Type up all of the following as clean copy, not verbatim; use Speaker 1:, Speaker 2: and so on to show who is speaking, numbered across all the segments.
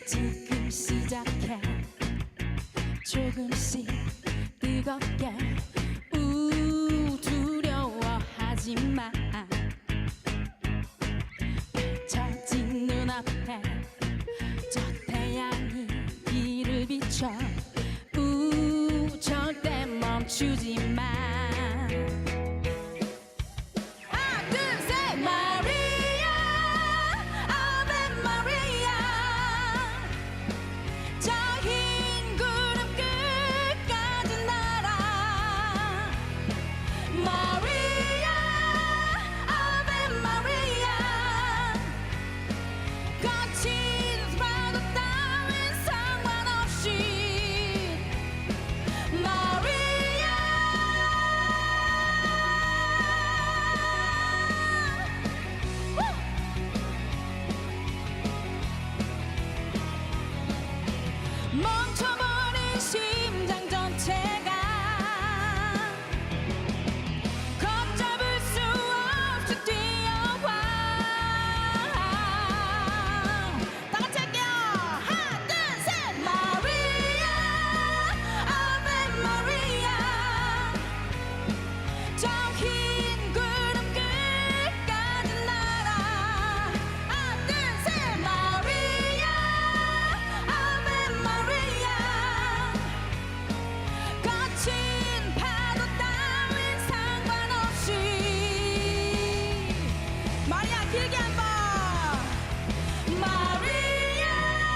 Speaker 1: 지금 시작해 조금씩 뜨겁게 두려워하지 마 펼쳐진 눈앞에 저 태양이 길을 비춰 절대 멈추지 마 하나 둘셋 마리아 아베 마리아 저 흰 구름 끝까지 날아 마리아 아베 마리아 거친 파도 따윈 상관없이 마리아 멈춰버린 심장 전체가 걷잡을 수 없이 뛰어와 다 같이 할게요 하나 둘셋 마리아 아베 마리아 저 흰 구름 끝까지 날아 하나 둘셋 마리아 아베 마리아 거친 파도 따윈 상관없이 마리아 길게 한번 마리아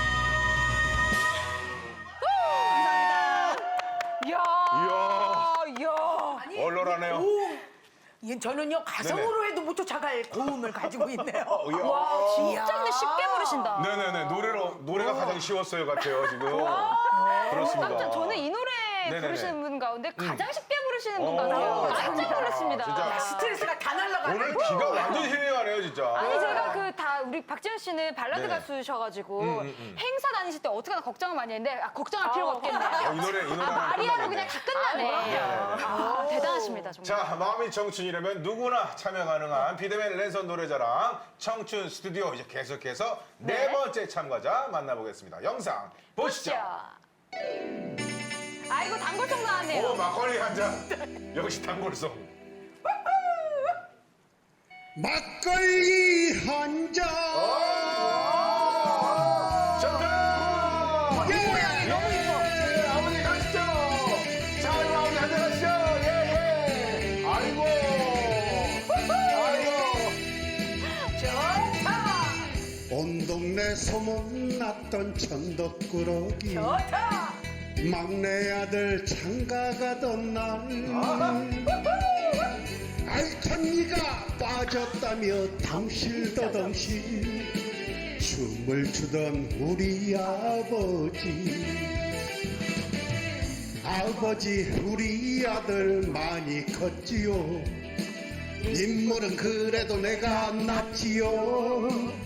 Speaker 2: 이야.
Speaker 3: 얼얼하네요.
Speaker 2: 이게 저는요 가성으로 해도 못 쫓아갈 고음을 가지고 있네요.
Speaker 3: 와,
Speaker 4: 진짜 근데 쉽게 부르신다.
Speaker 3: 네네네. 노래가 가장 쉬웠어요 같아요 지금. 그렇습니다.
Speaker 4: 깜짝 저는 이 노래
Speaker 3: 네네네.
Speaker 4: 부르시는 분 가운데 가장 쉽게 부르시는 분
Speaker 3: 오,
Speaker 4: 같아요. 깜짝
Speaker 3: 감사합니다.
Speaker 4: 놀랐습니다.
Speaker 3: 진짜.
Speaker 2: 스트레스가 다 날라가네.
Speaker 3: 오늘 기가 완전 힐링하네요 진짜.
Speaker 4: 아니 제가 그 다 우리 박지현 씨는 발라드
Speaker 3: 네네.
Speaker 4: 가수셔가지고 행사 다니실 때 어떻게나 걱정을 많이 했는데 걱정할 필요가 없겠네요.
Speaker 3: 이 노래
Speaker 4: 마리아로 그냥 다 끝나네. 대단하십니다 정말.
Speaker 3: 자, 마음이 청춘이라면 누구나 참여 가능한 비대면 랜선 노래자랑 청춘 스튜디오 이제 계속해서 네 번째 참가자 만나보겠습니다. 영상 보시죠.
Speaker 4: 아이고 단골송 나왔네요.
Speaker 3: 오, 막걸리 한 잔. 역시 단골송.
Speaker 5: 막걸리 한 잔.
Speaker 3: 좋다.
Speaker 2: 모양이 너무 이뻐.
Speaker 3: 예, 아버지 가시죠. 자, 우리 아버지 한잔 하시죠. 예, 예. 아이고. 아이고.
Speaker 5: 온 동네 소문났던 천덕꾸러기 막내 아들 장가 가던 날 알턴니가 빠졌다며 덩실더덩실 춤을 추던 우리 아버지 우리 아들 많이 컸지요 인물은 그래도 내가 낫지요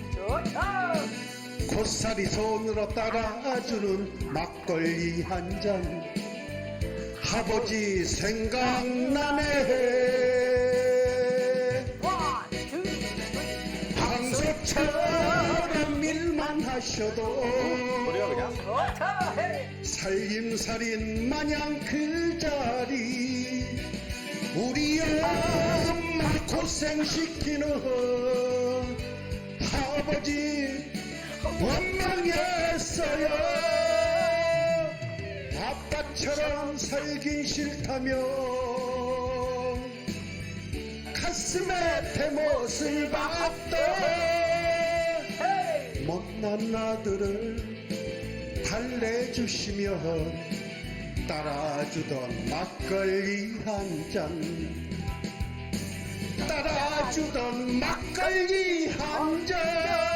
Speaker 5: 고사리 손으로 따라주는 막걸리 한 잔 아버지 생각나네 방석처럼 일만 하셔도 살림살인 마냥 그 자리 우리 엄마 고생시키는 아버지 원망했어요 아빠처럼 살긴 싫다며 가슴에 대못을 박던 못난 아들을 달래주시면 따라주던 막걸리 한 잔 따라주던 막걸리 한 잔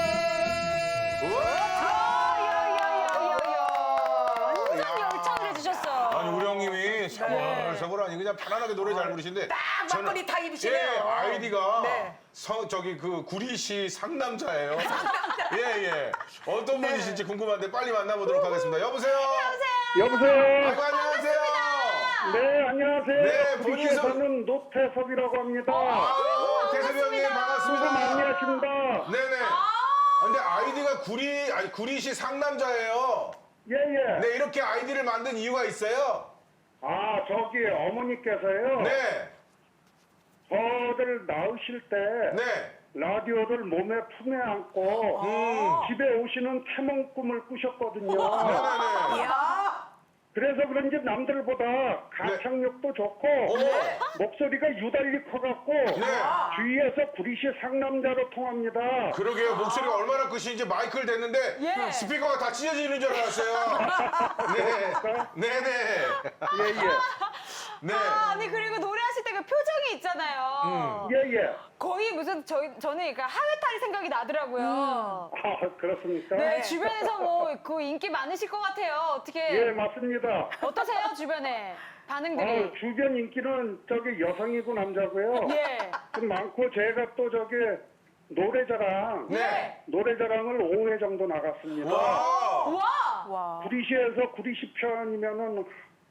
Speaker 4: 완전 열창을 해주셨어요.
Speaker 3: 아니, 우리 형님이 서글서글하니 그냥 편안하게 노래 잘 부르시는데.
Speaker 2: 딱 막걸리 타입이시네요.
Speaker 3: 예, 아이디가
Speaker 2: 네.
Speaker 3: 저기 그 구리시 상남자예요. 예, 예. 어떤 분이신지 궁금한데 빨리 만나보도록 하겠습니다. 여보세요?
Speaker 6: 여보세요.
Speaker 3: 아이고, 안녕하세요.
Speaker 6: 네, 안녕하세요.
Speaker 3: 네,
Speaker 6: 구리시에
Speaker 3: 본인서-
Speaker 6: 사는 노태석이라고 합니다.
Speaker 3: 아이고, 태섭이 형님
Speaker 6: 수고 많이
Speaker 3: 반갑습니다.
Speaker 6: 하십니다.
Speaker 3: 네네. 근데 아이디가 구리시 상남자예요.
Speaker 6: 예, 예.
Speaker 3: 네, 이렇게 아이디를 만든 이유가 있어요.
Speaker 6: 아, 저기 어머니께서요.
Speaker 3: 네,
Speaker 6: 저를 낳으실 때
Speaker 3: 네.
Speaker 6: 라디오를 몸에 품에 안고 집에 오시는 태몽 꿈을 꾸셨거든요.
Speaker 3: 네네네.
Speaker 2: 이야.
Speaker 6: 그래서 그런지 남들보다 가창력도 좋고
Speaker 3: 네.
Speaker 6: 목소리가 유달리 커갖고 주위에서 구리시 상남자로 통합니다.
Speaker 3: 그러게요. 목소리가 얼마나 크신지 마이크를 댔는데
Speaker 4: 예.
Speaker 3: 스피커가 다 찢어지는 줄 알았어요. 네, 네, 네.
Speaker 6: 예, 예.
Speaker 3: 네.
Speaker 4: 아, 아니 그리고 노래하실 때 그 표정이 있잖아요.
Speaker 6: 예, 예.
Speaker 4: 거의 무슨 저는 그러니까 하회탈이 생각이 나더라고요.
Speaker 6: 아, 그렇습니까?
Speaker 4: 네, 주변에서 뭐 그 인기 많으실 것 같아요. 어떻게
Speaker 6: 예, 맞습니다.
Speaker 4: 어떠세요 주변에 반응들이?
Speaker 6: 주변 인기는 저기 여성이고 남자고요.
Speaker 4: 예.
Speaker 6: 좀 많고 제가 또 저기 노래자랑
Speaker 3: 네.
Speaker 6: 노래자랑을 5회 정도 나갔습니다.
Speaker 3: 와.
Speaker 4: 와.
Speaker 6: 구리시에서 구리시 편이면은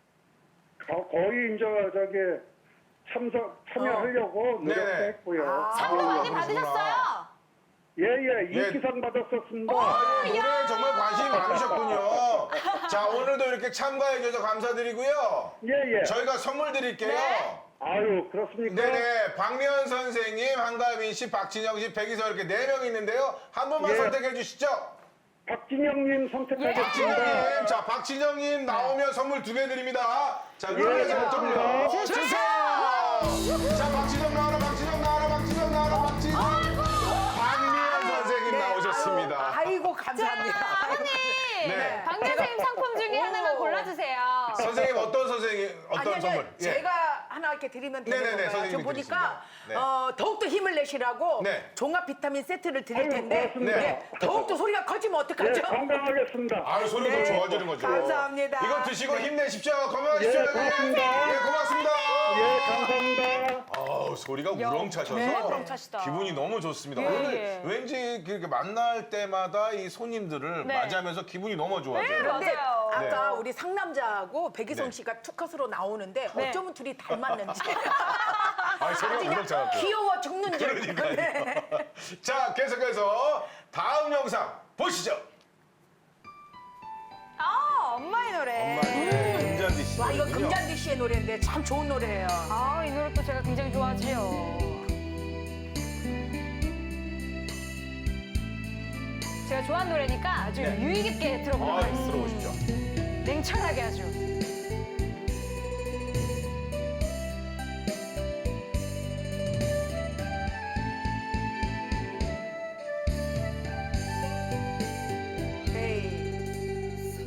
Speaker 6: 거의 이제 저기 참여하려고
Speaker 3: 네.
Speaker 6: 노력도 했고요.
Speaker 4: 상도 많이
Speaker 3: 그러시구나.
Speaker 4: 받으셨어요?
Speaker 6: 예예
Speaker 3: 예.
Speaker 6: 인기상 받았었습니다.
Speaker 3: 노래에 정말 관심이 많으셨군요. 자, 오늘도 이렇게 참가해 주셔서 감사드리고요.
Speaker 6: 예예.
Speaker 3: 저희가 선물 드릴게요.
Speaker 4: 네.
Speaker 6: 아유 그렇습니까?
Speaker 3: 네네. 박미연 선생님, 한가민 씨, 박진영 씨, 백이서 이렇게 4명 있는데요. 한 분만
Speaker 6: 예.
Speaker 3: 선택해 주시죠.
Speaker 6: 박진영님 선택하겠습니다.
Speaker 3: 박진영님. 자, 박진영님 나오면 선물 2개 드립니다. 자, 노래 잘 좀요.
Speaker 4: 네.
Speaker 3: 주세요. 자, 박진영 나와라, 박진영 나와라, 박진영 나와라, 박진영. 박미연 선생님 나오셨습니다.
Speaker 2: 아이고 감사합니다.
Speaker 4: 사모님,
Speaker 3: 네.
Speaker 4: 박 선생님 상품 중에 하나만 골라주세요.
Speaker 3: 선생님 어떤 선생님 어떤
Speaker 2: 아니,
Speaker 3: 선물? 예.
Speaker 2: 제가 하나 이렇게 드리면 되는
Speaker 3: 네네네,
Speaker 2: 건가요?
Speaker 3: 선생님이
Speaker 2: 저 보니까
Speaker 3: 드리겠습니다.
Speaker 2: 더욱더 힘을 내시라고
Speaker 3: 네.
Speaker 2: 종합 비타민 세트를 드릴
Speaker 6: 아유,
Speaker 2: 텐데
Speaker 6: 고맙습니다.
Speaker 2: 네, 더욱더 소리가 커지면
Speaker 6: 예,
Speaker 2: 어떡하죠?
Speaker 6: 건강하겠습니다.
Speaker 3: 아유, 소리가
Speaker 2: 네.
Speaker 3: 더 좋아지는 거죠.
Speaker 2: 감사합니다.
Speaker 3: 이거 드시고
Speaker 2: 네.
Speaker 3: 힘내십시오. 건강하십시오.
Speaker 6: 예, 고맙습니다.
Speaker 3: 예, 고맙습니다.
Speaker 6: 예, 감사합니다.
Speaker 3: 아우, 소리가 우렁차셔서
Speaker 4: 네, 우렁차시다.
Speaker 3: 기분이 너무 좋습니다.
Speaker 4: 예,
Speaker 3: 오늘
Speaker 4: 예.
Speaker 3: 왠지 그렇게 만날 때마다 이 손님들을
Speaker 4: 네.
Speaker 3: 맞이하면서 기분이 너무 좋아져요.
Speaker 4: 네,
Speaker 2: 근데
Speaker 4: 맞아요.
Speaker 2: 아까 우리 상남자하고 백이성
Speaker 3: 네.
Speaker 2: 씨가 투컷으로 나오는데
Speaker 4: 네.
Speaker 2: 어쩌면 둘이 닮았는지
Speaker 3: 아, 소리가
Speaker 2: 그냥
Speaker 3: 우렁차갖고.
Speaker 2: 귀여워 죽는 줄.
Speaker 3: 그러니까요.
Speaker 2: 네.
Speaker 3: 자, 계속해서 다음 영상 보시죠.
Speaker 4: 아, 엄마의 노래.
Speaker 3: 엄마의 금잔디 씨.
Speaker 2: 와 이거 금잔디 씨의 노래인데 참 좋은 노래예요.
Speaker 4: 아, 이 노래 또 제가 굉장히 좋아하지요. 제가 좋아하는 노래니까 아주 유의 깊게 들어보도록
Speaker 3: 아,
Speaker 4: 하겠습니다.
Speaker 3: 들어보십시오.
Speaker 4: 냉철하게 아주.
Speaker 2: 에이.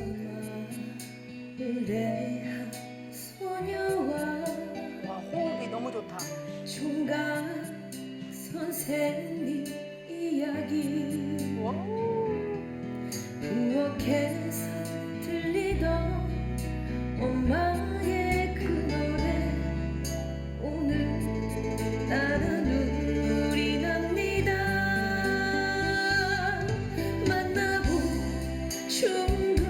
Speaker 1: 의뢰한 소녀와
Speaker 2: 와 호흡이 너무 좋다.
Speaker 1: 총각 선생님 이야기 부엌에서 들리던 엄마의 그 노래 오늘 나는 눈물이 납니다. 만나본 충동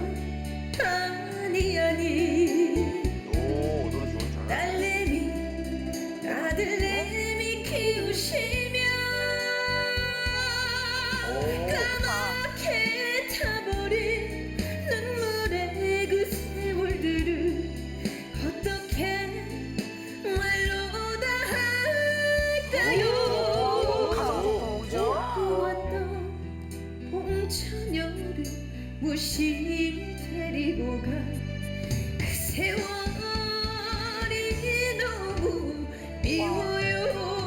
Speaker 1: 아니
Speaker 3: 오, 노래 좋은 잘.
Speaker 1: 딸내미 아들내미 키우시며 까맣게 타버린 눈물의 그 세월들을 어떻게 말로 다 할까요? 보았던 봄처녀를 무심히 데리고 간 그 세월이 너무 미워요.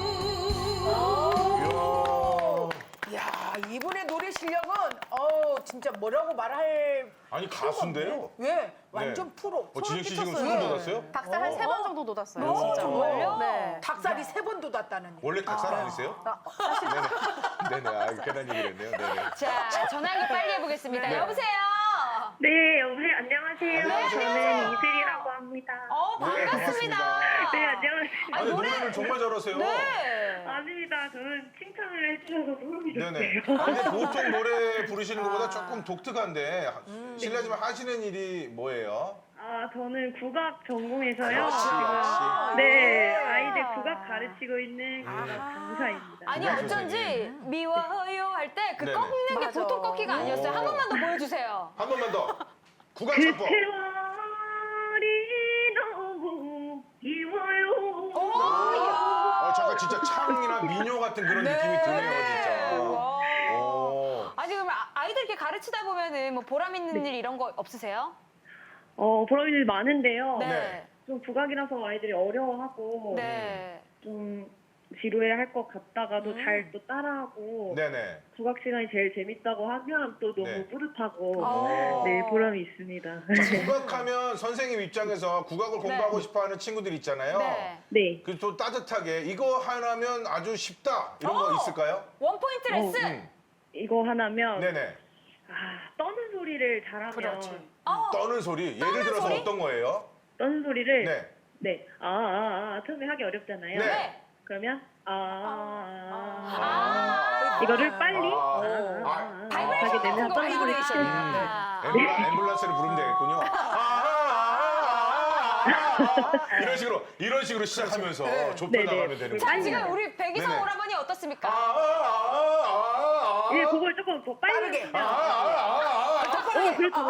Speaker 2: 야 이분의 노래 실력은 진짜 뭐라고 말할
Speaker 3: 아니,
Speaker 2: 필요가
Speaker 3: 가수인데요?
Speaker 2: 없네요. 왜? 완전 프로.
Speaker 3: 지은 씨 지금
Speaker 2: 끼쳤어요.
Speaker 3: 소름 돋았어요?
Speaker 7: 닭살 한 3번 정도 돋았어요.
Speaker 2: 어,
Speaker 7: 진짜.
Speaker 4: 정말요?
Speaker 7: 네.
Speaker 2: 닭살이 3번 돋았다는.
Speaker 3: 원래 닭살 아니세요? 네네. 네네. 아, 괜한 얘기를 했네요. 네네.
Speaker 4: 자, 전화 연결 빨리 해보겠습니다.
Speaker 3: 네.
Speaker 4: 여보세요?
Speaker 8: 네, 여보세요. 안녕하세요.
Speaker 3: 안녕하세요.
Speaker 8: 저는 이슬이라고 합니다.
Speaker 4: 반갑습니다.
Speaker 8: 네, 안녕하세요.
Speaker 3: 아니, 노래를 정말 잘하세요.
Speaker 4: 네.
Speaker 8: 아닙니다. 저는 칭찬을 해주셔서 소름이
Speaker 3: 네네.
Speaker 8: 돋네요.
Speaker 3: 아, 근데 보통 노래 부르시는 것보다 조금 독특한데 실례지만 하시는 일이 뭐예요?
Speaker 8: 아, 저는 국악 전공해서요.
Speaker 3: 역시,
Speaker 8: 지금
Speaker 3: 역시.
Speaker 8: 네, 아이들 국악 가르치고 있는 국악 강사입니다.
Speaker 4: 아니
Speaker 3: 구강
Speaker 4: 어쩐지
Speaker 3: 선생님.
Speaker 4: 미워요 할 때 그
Speaker 3: 네네.
Speaker 4: 꺾는 게
Speaker 2: 맞아.
Speaker 4: 보통 꺾기가 아니었어요. 한 번만 더 보여주세요.
Speaker 3: 한 번만 더. 구강
Speaker 8: 그
Speaker 3: 창법.
Speaker 8: 세월이 너무 미워요.
Speaker 3: 잠깐 진짜 창이나 민요 같은 그런 느낌이 드네요, 진짜.
Speaker 4: 와.
Speaker 3: 오.
Speaker 4: 아니 그럼 아이들 이렇게 가르치다 보면은 뭐 보람 있는 일 이런 거 없으세요?
Speaker 8: 보람 있는 일 많은데요.
Speaker 3: 네.
Speaker 8: 좀 국악이라서 아이들이 어려워하고
Speaker 4: 네.
Speaker 8: 좀 지루해할 것 같다가도 잘 또 따라하고
Speaker 3: 네네.
Speaker 8: 국악 시간이 제일 재밌다고 하면 또 너무
Speaker 3: 네.
Speaker 8: 뿌듯하고 네 보람이 있습니다.
Speaker 3: 국악하면 선생님 입장에서 국악을 공부하고 싶어하는 친구들 있잖아요.
Speaker 4: 네.
Speaker 8: 네.
Speaker 3: 그 또 따뜻하게 이거 하나면 아주 쉽다 이런 거 있을까요?
Speaker 4: 원 포인트 레슨.
Speaker 3: 음.
Speaker 8: 이거 하나면
Speaker 3: 네네.
Speaker 8: 떠는 소리를 잘하면
Speaker 2: 그렇지.
Speaker 3: 떠는 소리. 예를 들어서
Speaker 4: 소리?
Speaker 3: 어떤 거예요?
Speaker 8: 떠는 소리를
Speaker 3: 네.
Speaker 8: 네. 처음에 하기 어렵잖아요.
Speaker 3: 네.
Speaker 8: 그러면
Speaker 3: 아.
Speaker 8: 이거를 빨리
Speaker 4: 바이브레이션
Speaker 8: 하게 되면
Speaker 4: 같은 거
Speaker 8: 떠는 소리
Speaker 2: 바이브레이션.
Speaker 4: 아.
Speaker 3: 앰뷸런스를 부르면 되겠군요. 이런 식으로 시작하면서 좁혀
Speaker 8: 네네.
Speaker 3: 나가면 되는
Speaker 4: 자
Speaker 3: 거예요.
Speaker 4: 지금 우리 백이성
Speaker 3: 네네.
Speaker 4: 오라버니 어떻습니까?
Speaker 8: 예, 그걸 조금 더 빨리
Speaker 2: 빠르게.
Speaker 8: 하시면 그렇죠.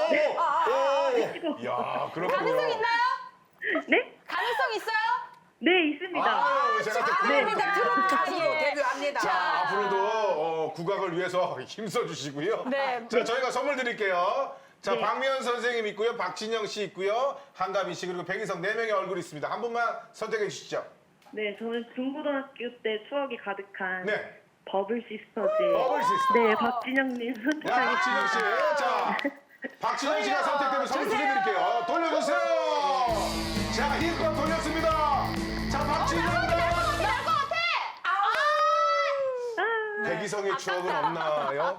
Speaker 3: 야, 그렇군요.
Speaker 4: 가능성 있나요?
Speaker 8: 네?
Speaker 4: 가능성 있어요?
Speaker 8: 네, 있습니다.
Speaker 3: 제가 또
Speaker 2: 아닙니다. 트롯 가수로
Speaker 4: 예.
Speaker 2: 데뷔합니다.
Speaker 3: 자, 앞으로도 국악을 위해서 힘써 주시고요.
Speaker 4: 네.
Speaker 3: 자, 저희가 선물 드릴게요. 자,
Speaker 8: 네.
Speaker 3: 박미연 선생님 있고요. 박진영 씨 있고요. 한가빈 씨 그리고 백인성 4명의 얼굴이 있습니다. 한 분만 선택해 주시죠.
Speaker 8: 네, 저는 중고등학교 때 추억이 가득한
Speaker 3: 네.
Speaker 8: 버블 시스터즈.
Speaker 3: 버블 시스터.
Speaker 8: 네, 박진영님
Speaker 3: 야,
Speaker 8: 선택하겠습니다.
Speaker 3: 박진영 씨. 자, 박진영 씨가 선택되면 선물 드릴게요. 돌려주세요. 자, 힘껏 돌렸습니다. 자, 박진영. 백이성의 추억은 없나요?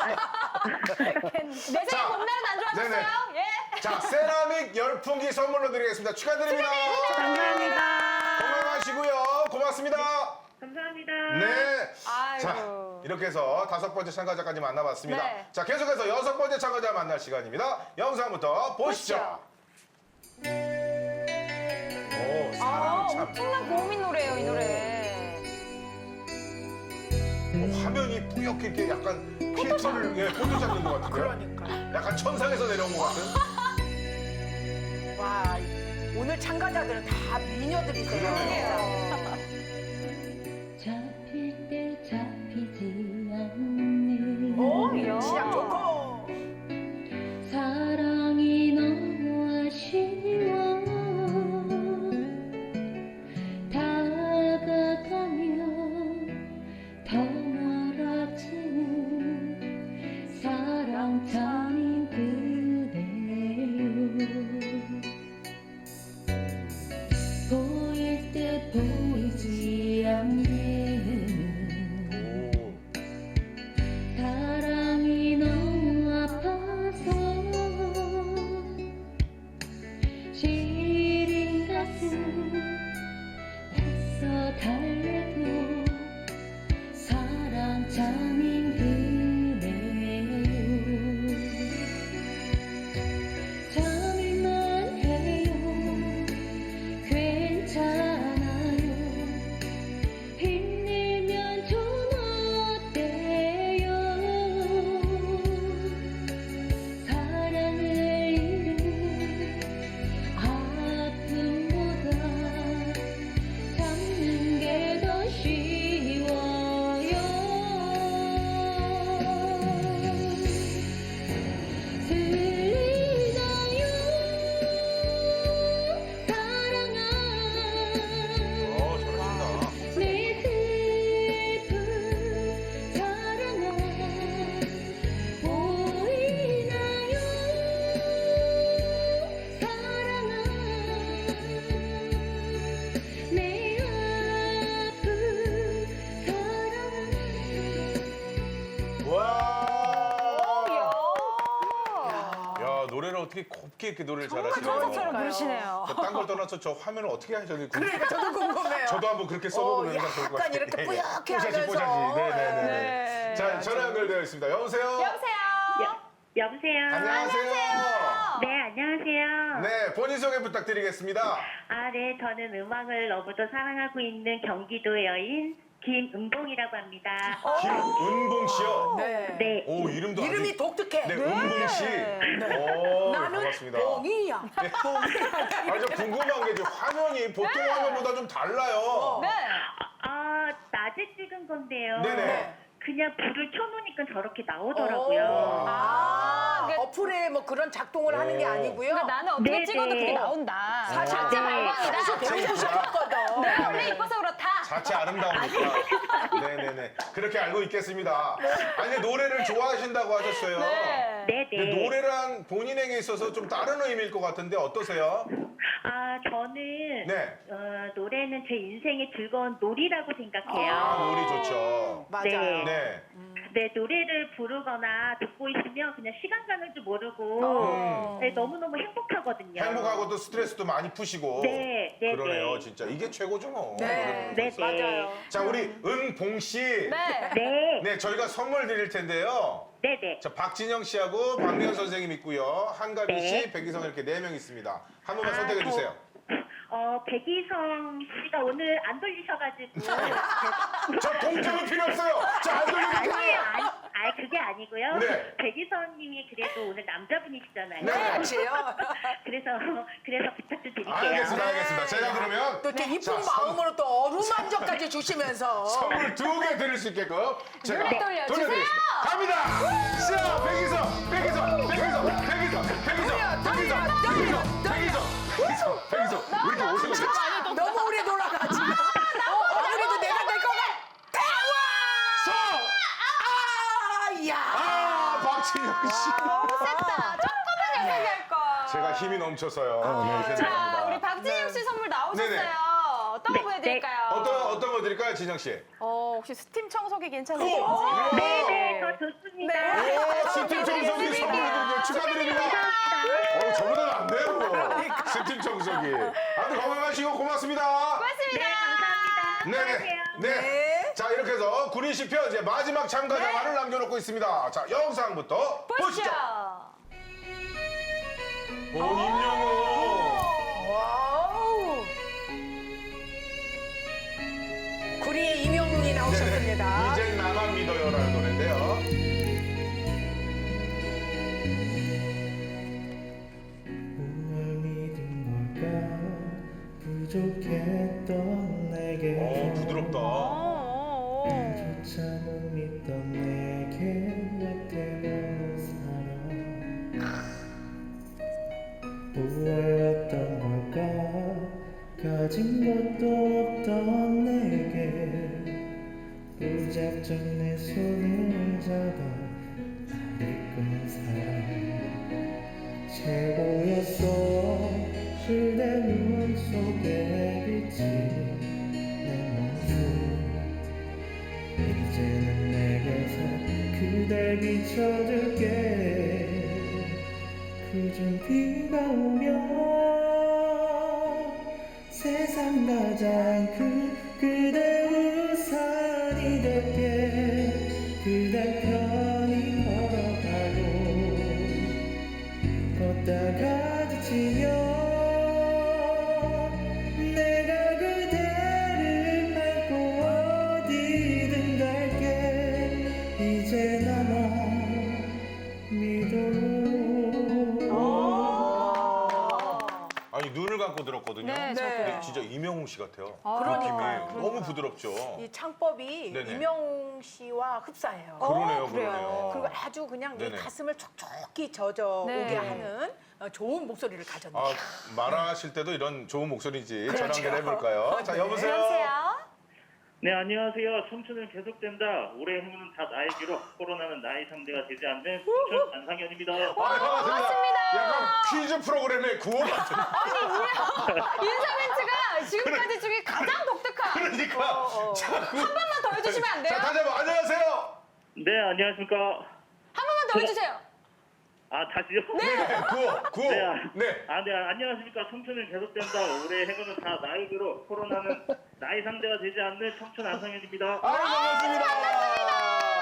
Speaker 4: 내 생각 봄날은 안 좋아졌어요?
Speaker 3: 네네.
Speaker 4: 예.
Speaker 3: 자, 세라믹 열풍기 선물로 드리겠습니다. 축하드립니다.
Speaker 8: 감사합니다.
Speaker 3: 건강하시고요. 고맙습니다.
Speaker 8: 감사합니다.
Speaker 3: 네.
Speaker 4: 아이고.
Speaker 3: 자, 이렇게 해서 5번째 참가자까지 만나봤습니다.
Speaker 4: 네.
Speaker 3: 자, 계속해서 6번째 참가자 만날 시간입니다. 영상부터 보시죠. 오, 사람 참.
Speaker 4: 엄청난 고음인 노래예요, 이 노래.
Speaker 3: 화면이 뿌옇게 이렇게 약간 필터를 포토 잡는 것 같은데요?
Speaker 2: 그러니까.
Speaker 3: 약간 천상에서 내려온 것 같은?
Speaker 2: 와, 오늘 참가자들은 다 미녀들이세요.
Speaker 1: 잡힐 때 잡히지 않는
Speaker 2: 오,
Speaker 4: 이야.
Speaker 2: 시작 좋고.
Speaker 1: 사랑이 너무 아쉬워 다가가면 더 멀어지는 사랑 참인 그대요 보일 때 보이지 않는
Speaker 3: 오.
Speaker 1: 사랑이 너무 아파서 시린 가슴 애써 달래도 사랑 참인 그대요 참을만 해요 괜찮아요 힘내면 좀 어때요 사랑을 잃은 아픔보다 참는 게 더 쉬워요 들리나요 사랑아
Speaker 3: 잘하신다.
Speaker 1: 내 슬픈 사랑아 보이나요 사랑아 내 아픈 사랑아
Speaker 3: 와.
Speaker 4: 이야.
Speaker 3: 야, 노래를 어떻게 곱게 이렇게 노래를
Speaker 4: 정말
Speaker 3: 잘하시네요.
Speaker 4: 가사처럼 부르시네요.
Speaker 3: 딴 걸 떠나서 저 화면을 어떻게 하셨는지
Speaker 2: 그러니까 저도 궁금해요.
Speaker 3: 저도 한번 그렇게 써보면
Speaker 2: 약간
Speaker 3: 좋을 것 같아요.
Speaker 2: 이렇게 뿌옇게
Speaker 3: 뽀샤시,
Speaker 2: 하면서.
Speaker 3: 뽀샤시. 네네네.
Speaker 4: 네.
Speaker 3: 자, 전화 연결되어 있습니다. 여보세요?
Speaker 4: 여보세요?
Speaker 8: 여보세요.
Speaker 3: 안녕하세요.
Speaker 8: 네, 안녕하세요.
Speaker 3: 네, 본인 소개 부탁드리겠습니다.
Speaker 8: 네, 저는 음악을 너무도 사랑하고 있는 경기도 여인 김은봉이라고 합니다.
Speaker 3: 김은봉 씨요.
Speaker 2: 네.
Speaker 8: 네.
Speaker 3: 오, 이름도
Speaker 2: 이름이
Speaker 3: 아주...
Speaker 2: 독특해.
Speaker 3: 네, 은봉 씨. 오,
Speaker 2: 나는
Speaker 3: 반갑습니다.
Speaker 2: 봉이야.
Speaker 3: 아, 저 궁금한 게 이제 화면이 보통 화면보다 좀 달라요.
Speaker 4: 네.
Speaker 8: 아, 낮에 찍은 건데요.
Speaker 3: 네네.
Speaker 8: 그냥 불을 켜놓으니까 저렇게 나오더라고요.
Speaker 2: 아,
Speaker 4: 그게-
Speaker 2: 어플에 뭐 그런 작동을 하는 게 아니고요.
Speaker 4: 그러니까 나는 어떻게
Speaker 8: 네,
Speaker 4: 찍어도
Speaker 8: 네.
Speaker 4: 그게 나온다.
Speaker 2: 사실
Speaker 4: 자체
Speaker 2: 네.
Speaker 4: 발광이다.
Speaker 2: 사실 배우고 싶었거든.
Speaker 4: 내가 원래 이뻐서 그렇다.
Speaker 3: 자체 아름다우니까. 네네네. 그렇게 알고 있겠습니다. 아니, 근데 노래를 좋아하신다고 하셨어요.
Speaker 4: 네.
Speaker 8: 네네.
Speaker 3: 근데 노래란 본인에게 있어서 좀 다른 의미일 것 같은데 어떠세요?
Speaker 8: 아, 저는
Speaker 3: 네.
Speaker 8: 노래는 제 인생의 즐거운 놀이라고 생각해요.
Speaker 3: 아, 노래 좋죠.
Speaker 2: 맞아요.
Speaker 3: 네.
Speaker 8: 네, 노래를 부르거나 듣고 있으면 그냥 시간 가는 줄 모르고 네, 너무너무 행복하거든요.
Speaker 3: 행복하고 또 스트레스도 많이 푸시고.
Speaker 8: 네, 네,
Speaker 3: 그러네요,
Speaker 8: 네.
Speaker 3: 진짜. 이게 최고죠, 뭐.
Speaker 2: 네.
Speaker 8: 네, 네.
Speaker 2: 맞아요.
Speaker 3: 자, 우리 은봉 씨.
Speaker 4: 네.
Speaker 8: 네,
Speaker 3: 네, 저희가 선물 드릴 텐데요.
Speaker 8: 네, 네.
Speaker 3: 자, 박진영 씨하고 박미연 선생님 있고요. 한가빈
Speaker 8: 네.
Speaker 3: 씨, 백이성 이렇게 4명 있습니다. 한 분만 선택해
Speaker 8: 저-
Speaker 3: 주세요.
Speaker 8: 백이성 씨가 오늘 안 돌리셔가지고.
Speaker 3: 저 동점은 필요 없어요. 자, 안 돌려도
Speaker 8: 아니,
Speaker 3: 돼요.
Speaker 8: 그게 아니고요.
Speaker 3: 네.
Speaker 8: 백이성 님이 그래도 오늘 남자분이시잖아요.
Speaker 3: 네.
Speaker 2: 그렇지요.
Speaker 8: 그래서 부탁 좀 드릴게요.
Speaker 3: 알겠습니다. 제가 그러면
Speaker 2: 또 이렇게 이쁜
Speaker 3: 자,
Speaker 2: 마음으로 또 어루만져까지 주시면서
Speaker 3: 선물 2개 드릴 수 있게끔 제가
Speaker 4: 눈을 돌려주세요.
Speaker 3: 돌려드리겠습니다. 갑니다. 자, 백이성. 왜 이렇게 오세요?
Speaker 2: 너무 오래 돌아가지. 그래도 내가 될 것 같아. 와! 야!
Speaker 3: 아, 박진영 씨.
Speaker 4: 너무 셌다. 조금만 얘기할 걸.
Speaker 3: 제가 힘이 넘쳐서요. 네,
Speaker 4: 자,
Speaker 3: 죄송합니다.
Speaker 4: 우리 박진영 씨 선물 나오셨어요.
Speaker 3: 네네.
Speaker 4: 어떤 거 보여드릴까요?
Speaker 3: 어떤 거 드릴까요, 진영 씨?
Speaker 4: 혹시 스팀 청소기 괜찮으신지?
Speaker 8: 네, 네, 저 좋습니다.
Speaker 3: 오, 스팀 청소기 선물 드리고 축하드립니다. 저보다는 안 돼요. 스팀 청소기. 아무튼 건강하시고 고맙습니다.
Speaker 4: 고맙습니다.
Speaker 8: 네, 감사합니다.
Speaker 3: 네.
Speaker 8: 수고하세요.
Speaker 3: 네. 자, 이렇게 해서 구린 씨 편 이제 마지막 참가자만을 남겨놓고 있습니다. 자, 영상부터 보시죠. 오, 임영웅.
Speaker 2: 와우! 구리의 임영웅이 나오셨습니다.
Speaker 3: 이젠 나만 믿어요라는 노래인데요.
Speaker 7: 뭘 믿은 걸까 부족했던 내게
Speaker 3: 부드럽다.
Speaker 7: 조차 못 믿던 내게 왜 때문에 살아 무얼했던 걸까 가진 것도 없던 내게 무작정 내 손을 잡아 날 이끄는 사람 최고였어 그대 눈 속에 비친 내 모습 이제는 내게서 그댈 비춰줄게 그중 비가 오면 세상 가장 큰 그대 우산이 될게 그대 편히 걸어가고 걷다가 지치면 내가 그대를 밟고 어디든 갈게 이제 나만 믿어
Speaker 3: 아니, 눈을 감고 들었거든요.
Speaker 4: 네,
Speaker 3: 근데 진짜 임영웅 씨 같아요.
Speaker 2: 그러니까요.
Speaker 3: 느낌이 너무 부드럽죠.
Speaker 2: 이 창법이
Speaker 3: 네네.
Speaker 2: 임영웅 씨와 흡사해요.
Speaker 3: 그러네요,
Speaker 4: 그래요.
Speaker 3: 그러네요.
Speaker 2: 그리고 아주 그냥 내
Speaker 3: 네네.
Speaker 2: 가슴을 촉촉히 젖어오게
Speaker 4: 네.
Speaker 2: 하는 좋은 목소리를 가졌네요.
Speaker 3: 아, 말하실 때도 이런 좋은 목소리인지 전화
Speaker 2: 그렇죠.
Speaker 3: 연결해볼까요? 자, 여보세요?
Speaker 4: 여보세요?
Speaker 9: 네, 안녕하세요. 청춘은 계속된다. 올해 행운은 다 나에게로 코로나는 나의 상대가 되지 않는 청춘 안상현입니다.
Speaker 3: 아, 반갑습니다. 약간 퀴즈 프로그램의 구호 같은.
Speaker 4: 인사 멘트가 지금까지 중에 가장 독특한.
Speaker 3: 그러니까. 자,
Speaker 4: 한 번만 더 해주시면 안 돼요?
Speaker 3: 자, 다시 한번 안녕하세요.
Speaker 9: 네, 안녕하십니까.
Speaker 4: 한 번만 더 해주세요.
Speaker 9: 아, 다시요?
Speaker 3: 네, 구호.
Speaker 9: 네.
Speaker 3: 네.
Speaker 9: 네, 안녕하십니까. 청춘은 계속된다. 올해 행운은 다 나에게로 코로나는 나의 상대가 되지 않는 청춘 안상현입니다.
Speaker 3: 반갑습니다.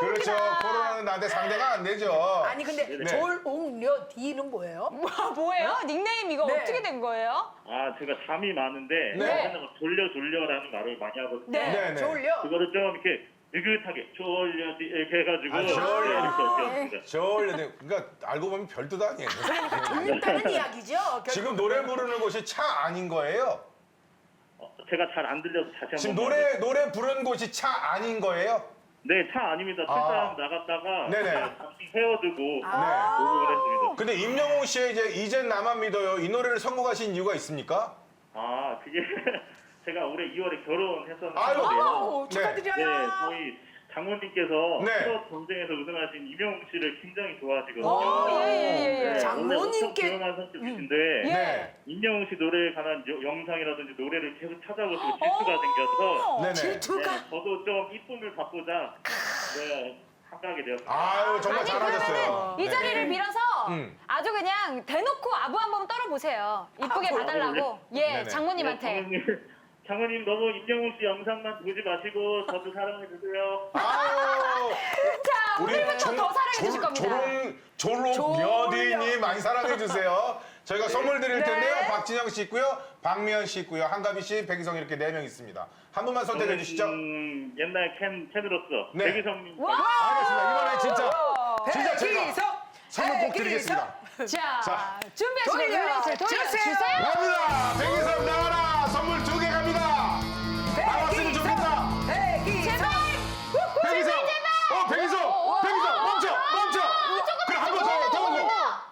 Speaker 3: 그렇죠. 코로나는 나한테 상대가 안 되죠.
Speaker 2: 아니 근데
Speaker 3: 네.
Speaker 2: 졸옹려 D는 뭐예요?
Speaker 4: 뭐예요? 닉네임 이거
Speaker 2: 네.
Speaker 4: 어떻게 된 거예요?
Speaker 9: 아, 제가 잠이 많은데
Speaker 3: 네.
Speaker 9: 맨날 막 졸려라는 말을 많이 하거든요.
Speaker 2: 네,
Speaker 3: 네네.
Speaker 2: 졸려.
Speaker 9: 그거를 좀 이렇게 느긋하게 졸려지 이렇게 해가지고
Speaker 3: 아, 졸려.
Speaker 9: 이렇게 였습니다.
Speaker 3: 저울려. 그러니까 알고 보면 별뜻 아니에요.
Speaker 2: 졸린다는 이야기죠.
Speaker 3: 지금 노래 부르는 곳이 차 아닌 거예요?
Speaker 9: 제가 잘 안 들려서 다시 한번.
Speaker 3: 지금 노래 부르는 곳이 차 아닌 거예요?
Speaker 9: 네, 차 아닙니다. 출장 나갔다가
Speaker 3: 네네.
Speaker 9: 잠시 헤어두고
Speaker 3: 네.
Speaker 9: 녹음을 했습니다.
Speaker 3: 근데 임영웅 씨의 이젠 나만 믿어요. 이 노래를 선곡하신 이유가 있습니까?
Speaker 9: 아, 그게 제가 올해 2월에 결혼했었는데
Speaker 2: 아우,
Speaker 9: 네,
Speaker 2: 축하드려요.
Speaker 9: 저희 장모님께서
Speaker 3: 네.
Speaker 9: 트롯 전쟁에서 우승하신 임영웅 씨를 굉장히 좋아하시거든요.
Speaker 4: 예.
Speaker 9: 네,
Speaker 2: 장모님께-
Speaker 9: 원래 엄청 조용한 성격이신데
Speaker 4: 예.
Speaker 3: 네.
Speaker 9: 임영웅 씨 노래에 관한 영상이라든지 노래를 계속 찾아보시고 질투가 생겨서
Speaker 3: 네네.
Speaker 2: 질투가.
Speaker 9: 네, 저도 좀 이쁨을 받고자 네, 참가하게 되었습니다.
Speaker 3: 아유, 정말
Speaker 4: 아니
Speaker 3: 잘하셨어요.
Speaker 4: 그러면은 이 자리를 빌어서
Speaker 3: 음.
Speaker 4: 아주 그냥 대놓고 아부 한번 떨어보세요. 이쁘게
Speaker 2: 아부.
Speaker 4: 봐달라고. 예,
Speaker 3: 네네.
Speaker 4: 장모님한테.
Speaker 9: 장모님 너무 임영웅 씨 영상만 보지 마시고 저도 사랑해 주세요.
Speaker 3: 아유.
Speaker 4: 자, 오늘부터 더 사랑해 주실 겁니다.
Speaker 3: 졸록여디님 많이 사랑해 주세요. 저희가 선물 드릴
Speaker 2: 네.
Speaker 3: 텐데요. 박진영 씨 있고요, 박미연 씨 있고요, 한가비 씨, 백이성 이렇게 4명 있습니다. 한 분만 선택해 주시죠.
Speaker 9: 옛날 캔으로서
Speaker 3: 네.
Speaker 9: 백이성님.
Speaker 4: 와!
Speaker 3: 알겠습니다. 이번에 진짜 제가
Speaker 2: 백이성,
Speaker 3: 선물 꼭
Speaker 2: 백이성.
Speaker 3: 드리겠습니다.
Speaker 4: 자,
Speaker 3: 자.
Speaker 4: 준비하시고 룰렛을
Speaker 2: 돌려주세요.
Speaker 4: 돌려주세요.
Speaker 3: 갑니다. 백이성 나와라. 선물 2개 갑니다. 나왔으면 좋겠다.
Speaker 2: 백이성.
Speaker 3: 백이성. 백이성. 멈춰. 그래 한 번 더 보고.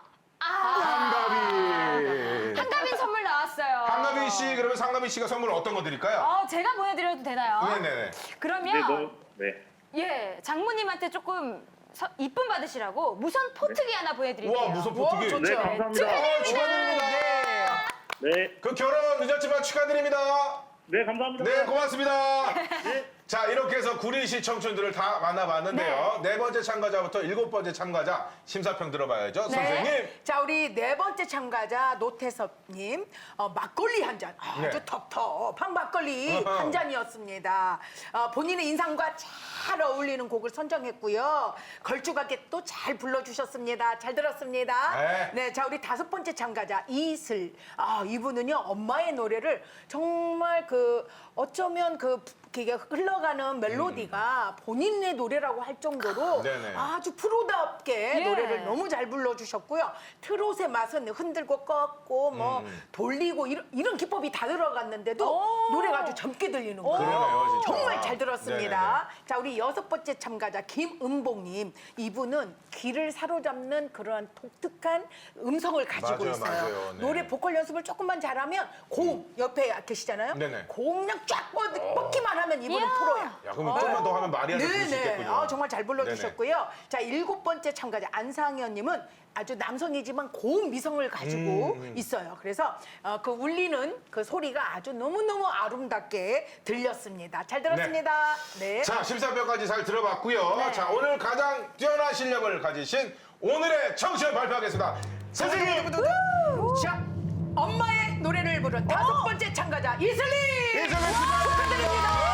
Speaker 3: 한가비.
Speaker 4: 한가빈 선물 나왔어요.
Speaker 3: 한가비 씨 그러면 상가비 씨가 선물 어떤 거 드릴까요?
Speaker 4: 제가 보내드려도 되나요?
Speaker 3: 네네네.
Speaker 4: 그러면
Speaker 9: 네.
Speaker 4: 예, 장모님한테 조금 이쁨 받으시라고 무선 포트기 하나 보내드릴게요.
Speaker 3: 우와 무슨 포트기.
Speaker 2: 좋죠.
Speaker 9: 네, 감사합니다.
Speaker 3: 축하드립니다.
Speaker 9: 네.
Speaker 3: 그 결혼 늦었지만 축하드립니다.
Speaker 9: 네, 감사합니다.
Speaker 3: 네, 고맙습니다. 자, 이렇게 해서 구리시 청춘들을 다 만나봤는데요. 네 번째 참가자부터 7번째 참가자 심사평 들어봐야죠. 선생님.
Speaker 2: 자, 우리 4번째 참가자 노태섭님, 막걸리 한 잔, 아주
Speaker 3: 네.
Speaker 2: 텁텁한 막걸리 한 잔이었습니다. 본인의 인상과 잘 어울리는 곡을 선정했고요. 걸쭉하게 또 잘 불러주셨습니다. 잘 들었습니다.
Speaker 3: 네.
Speaker 2: 자, 우리 5번째 참가자 이슬. 이분은요, 엄마의 노래를 정말 어쩌면 그게 흘러가는 멜로디가 본인의 노래라고 할 정도로
Speaker 3: 네네.
Speaker 2: 아주 프로답게
Speaker 4: 예.
Speaker 2: 노래를 너무 잘 불러주셨고요. 트롯의 맛은 흔들고 꺾고 돌리고 이런 기법이 다 들어갔는데도 노래가 아주 젊게 들리는 거예요.
Speaker 3: 그러네요, 진짜.
Speaker 2: 정말 잘 들었습니다. 자, 우리 6번째 참가자 김은봉님. 이분은 귀를 사로잡는 그런 독특한 음성을 가지고
Speaker 3: 맞아요,
Speaker 2: 있어요.
Speaker 3: 맞아요. 네.
Speaker 2: 노래 보컬 연습을 조금만 잘하면 고음 옆에 계시잖아요.
Speaker 3: 네네.
Speaker 2: 고음 그냥 쫙 뻗기만 하면 이분은
Speaker 4: 이야.
Speaker 2: 프로야.
Speaker 3: 야, 그럼 조금만 더 하면 마리아를 부를 수 있겠군요.
Speaker 2: 정말 잘 불러주셨고요. 자, 7번째 참가자 안상현님은 아주 남성이지만 고운 미성을 가지고 있어요. 그래서 그 울리는 그 소리가 아주 너무너무 아름답게 들렸습니다. 잘 들었습니다. 네.
Speaker 3: 자, 심사평까지 잘 들어봤고요.
Speaker 2: 네.
Speaker 3: 자, 오늘 가장 뛰어난 실력을 가지신 오늘의 청취를 발표하겠습니다. 선생님!
Speaker 2: 자, 엄마의 노래를 부른 5번째 참가자 이슬리!
Speaker 3: 이슬리 씨
Speaker 2: 축하드립니다.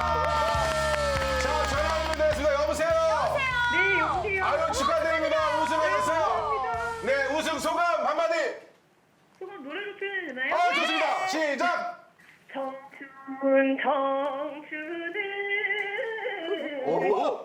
Speaker 3: 자, 전화 연결되었습니다. 여보세요?
Speaker 8: 네, 여보세요.
Speaker 3: 아유, 축하드립니다. 우승하셨어요. 네, 우승 소감 한마디.
Speaker 8: 조금 노래로 표현해도 되나요?
Speaker 3: 좋습니다. 시작!
Speaker 8: 청춘은
Speaker 3: 오.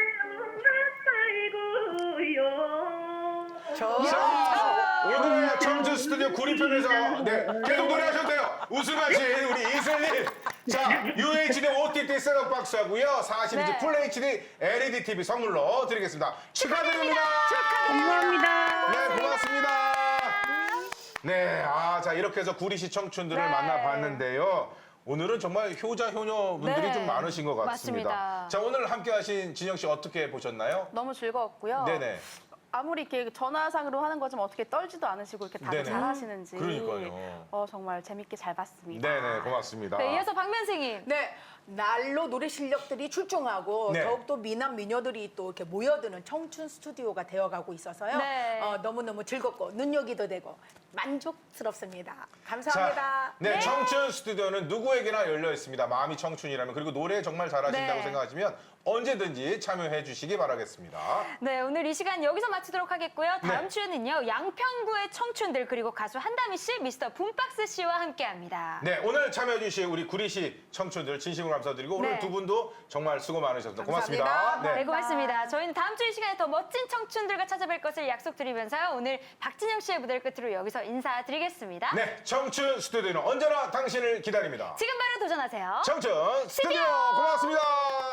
Speaker 8: 말로만
Speaker 3: 오늘의 청춘 스튜디오 구리편에서 계속 노래하셔도 돼요. 우승하신 우리 이슬님. 자, UHD OTT 셋업박스 하고요. 40인치 풀 HD LED TV 선물로 드리겠습니다. 축하드립니다.
Speaker 8: 감사합니다.
Speaker 3: 네, 고맙습니다. 네, 자, 이렇게 해서 구리시 청춘들을 만나봤는데요. 오늘은 정말 효자, 효녀분들이
Speaker 4: 네.
Speaker 3: 좀 많으신 것 같습니다.
Speaker 4: 맞습니다.
Speaker 3: 자, 오늘 함께 하신 진영 씨 어떻게 보셨나요?
Speaker 10: 너무 즐거웠고요.
Speaker 3: 네네.
Speaker 10: 아무리 이렇게 전화상으로 하는 거지만 어떻게 떨지도 않으시고 이렇게 다들
Speaker 3: 네네.
Speaker 10: 잘하시는지
Speaker 3: 그러니까요.
Speaker 10: 정말 재밌게 잘 봤습니다.
Speaker 3: 네네, 고맙습니다.
Speaker 4: 네, 이어서 박면생님.
Speaker 2: 네, 날로 노래 실력들이 출중하고
Speaker 3: 네.
Speaker 2: 더욱더 미남 미녀들이 또 이렇게 모여드는 청춘 스튜디오가 되어가고 있어서요.
Speaker 4: 네.
Speaker 2: 너무너무 즐겁고 눈여기도 되고 만족스럽습니다. 감사합니다.
Speaker 3: 네, 청춘 스튜디오는 누구에게나 열려 있습니다. 마음이 청춘이라면 그리고 노래 정말 잘하신다고
Speaker 4: 네.
Speaker 3: 생각하시면 언제든지 참여해 주시기 바라겠습니다.
Speaker 4: 네, 오늘 이 시간 여기서 마치도록 하겠고요. 다음
Speaker 3: 네.
Speaker 4: 주에는요, 양평구의 청춘들 그리고 가수 한다미 씨, 미스터 붐박스 씨와 함께합니다.
Speaker 3: 네, 오늘 참여해 주신 우리 구리시 청춘들 진심으로 감사드리고 오늘
Speaker 4: 네.
Speaker 3: 두 분도 정말 수고 많으셨습니다. 고맙습니다.
Speaker 2: 감사합니다.
Speaker 4: 네, 고맙습니다. 저희는 다음 주 이 시간에 더 멋진 청춘들과 찾아뵐 것을 약속드리면서요. 오늘 박진영 씨의 무대를 끝으로 여기서 인사드리겠습니다.
Speaker 3: 네, 청춘 스튜디오는 언제나 당신을 기다립니다.
Speaker 4: 지금 바로 도전하세요.
Speaker 3: 청춘 스튜디오 고맙습니다.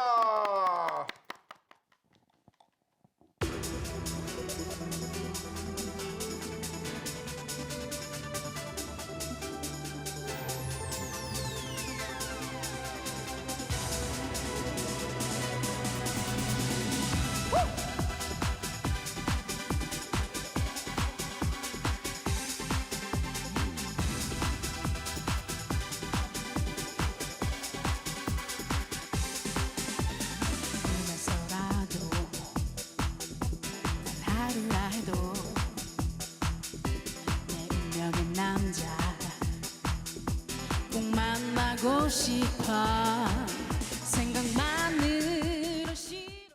Speaker 1: 꿈에서라도 단 하루라 해도 내 운명의 남자 꼭 만나고 싶어